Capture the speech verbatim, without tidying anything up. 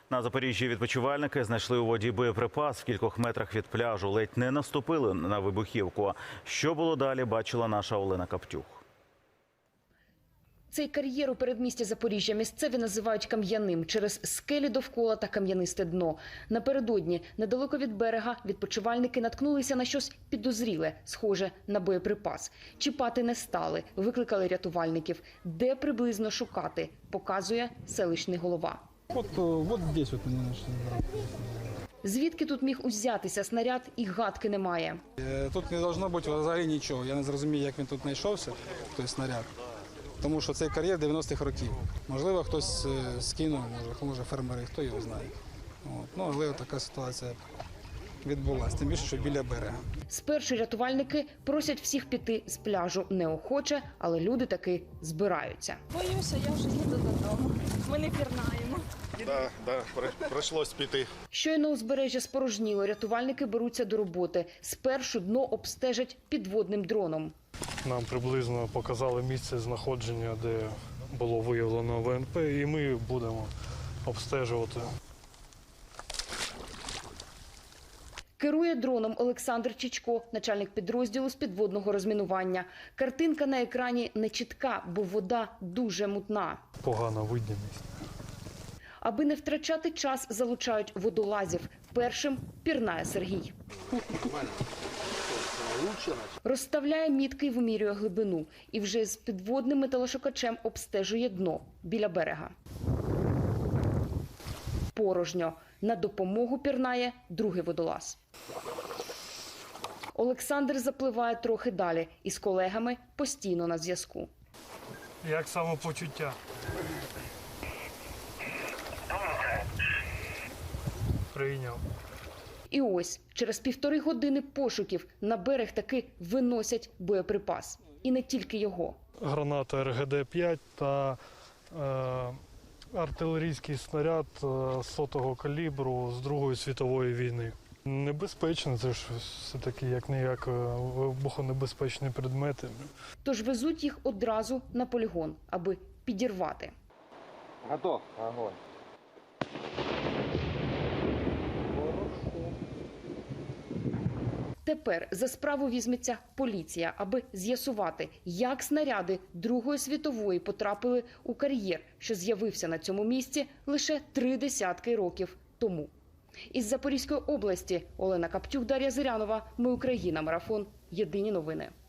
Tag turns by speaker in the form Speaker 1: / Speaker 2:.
Speaker 1: На Запоріжжі відпочивальники знайшли у воді боєприпас в кількох метрах від пляжу. Ледь не наступили на вибухівку. Що було далі, бачила наша Олена Каптюх.
Speaker 2: Цей кар'єр у передмісті Запоріжжя місцеві називають кам'яним через скелі довкола та кам'янисте дно. Напередодні, недалеко від берега, відпочивальники наткнулися на щось підозріле, схоже на боєприпас. Чіпати не стали, викликали рятувальників. Де приблизно шукати, показує селищний голова.
Speaker 3: От, от здесь от вони знайшли.
Speaker 2: Звідки тут міг узятися снаряд, і гадки немає.
Speaker 3: Тут не должно бути взагалі нічого. Я не зрозумію, як він тут знайшовся, той снаряд. Тому що цей кар'єр дев'яностих років. Можливо, хтось скинув, може, може фермери, хто його знає. От. Ну, але така ситуація відбулася, тим більше, що біля берега.
Speaker 2: Спершу рятувальники просять всіх піти з пляжу неохоче, але люди таки збираються.
Speaker 4: Боюся, я вже їду додому. Ми не пірнаємо.
Speaker 5: Так, да, да, прийшлось піти.
Speaker 2: Щойно узбережжя спорожніло, рятувальники беруться до роботи. Спершу дно обстежать підводним дроном.
Speaker 6: Нам приблизно показали місце знаходження, де було виявлено ВНП, і ми будемо обстежувати.
Speaker 2: Керує дроном Олександр Чичко, начальник підрозділу з підводного розмінування. Картинка на екрані не чітка, бо вода дуже мутна.
Speaker 6: Погана видимість.
Speaker 2: Аби не втрачати час, залучають водолазів. Першим пірнає Сергій. Розставляє мітки і вимірює глибину. І вже з підводним металошукачем обстежує дно біля берега. Порожньо. На допомогу пірнає другий водолаз. Олександр запливає трохи далі і з колегами постійно на зв'язку.
Speaker 6: Як самопочуття? Прийняв.
Speaker 2: І ось, через півтори години пошуків на берег таки виносять боєприпас. І не тільки його.
Speaker 6: Граната ер ге де п'ять та е, артилерійський снаряд е, сотого калібру з Другої світової війни. Небезпечно, це ж все-таки як-не-як вибухонебезпечні предмети.
Speaker 2: Тож везуть їх одразу на полігон, аби підірвати.
Speaker 3: Готов. Огонь.
Speaker 2: Тепер за справу візьметься поліція, аби з'ясувати, як снаряди Другої світової потрапили у кар'єр, що з'явився на цьому місці лише три десятки років тому. Із Запорізької області Олена Каптюх, Дар'я Зирянова. Ми Україна. Марафон. Єдині новини.